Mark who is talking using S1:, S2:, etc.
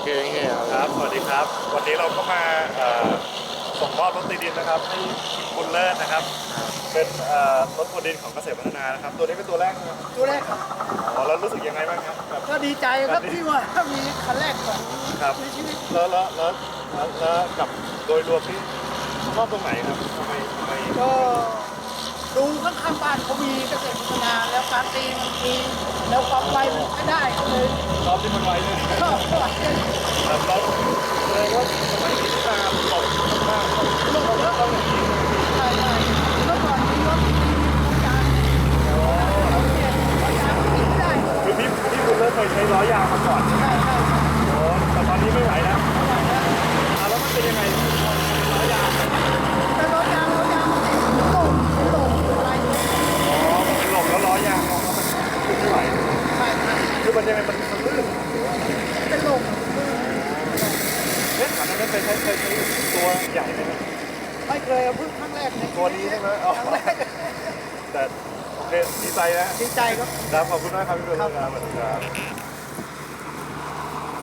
S1: เค
S2: ครับ สวัสดีครับ วันนี้เราก็มาส่งมอบรถตีดินนะครับให้บุญเลิศนะครับ เป็นรถบดดินของเกษตรพัฒนานะครับ ตัวนี้เป็นตัวแรกนะครับ
S3: ตัวแรกครับ
S2: อ๋อแล้วรู้สึกยังไงบ้างครับแบบ
S3: ก็ดีใจครับที่ว่ามีคันแรกของ
S2: ครับ
S3: ในชีวิต
S2: แล้วกับโดยรวมที่ชอบตรงไหนครับทำไม
S3: ก็ดูข้างๆบ้านเขามีเกษตรพัฒนาแล้วการตีมันมีแล้วความไวมันใช้ได้ก็เลย
S2: ชอบที่มันไวเลย
S3: ชอบ
S2: ครับแล้วแสดงว่าสมัยนี้ที่มาตกมากๆต้องอย่างนี้
S3: ใช่ใช่เมื่อก่อนมีรถมียางเราเปลี่ยนยางติดไม่ได้
S2: คือพี่บุญเลิศเคยใช้ล้อยางมาก่อน
S3: ใช่ใช่ใช่
S2: โอ้แต่ตอนนี้ไม่ไหวแล้ว
S3: ไม่ไหวแล้ว
S2: แล้วมันเป็นยังไงล้อยาง
S3: แต่รถยางมันติดโต่งอะไรอย่างเงี้ย
S2: อ๋อมันเป็นลมแล้วล้อยางของมันขึ้นไม่ไหว
S3: ใช่ใช่
S2: คือมันยังไงมันลื่น
S3: เป็นลม
S2: เอ๊ะถามนั้นเคยใช้ตัวใหญ่ไหม
S3: ไม่เคยเอาเพิ่งครั้งแรกใน
S2: ตัวนี้ใช่ไหมอ๋อ
S3: ครั้งแรก
S2: แต่โอเคดีใจนะ
S3: ดีใจครับ
S2: ครับขอบคุณมากครับพี่บุญเลิศครับสวัสดีครับ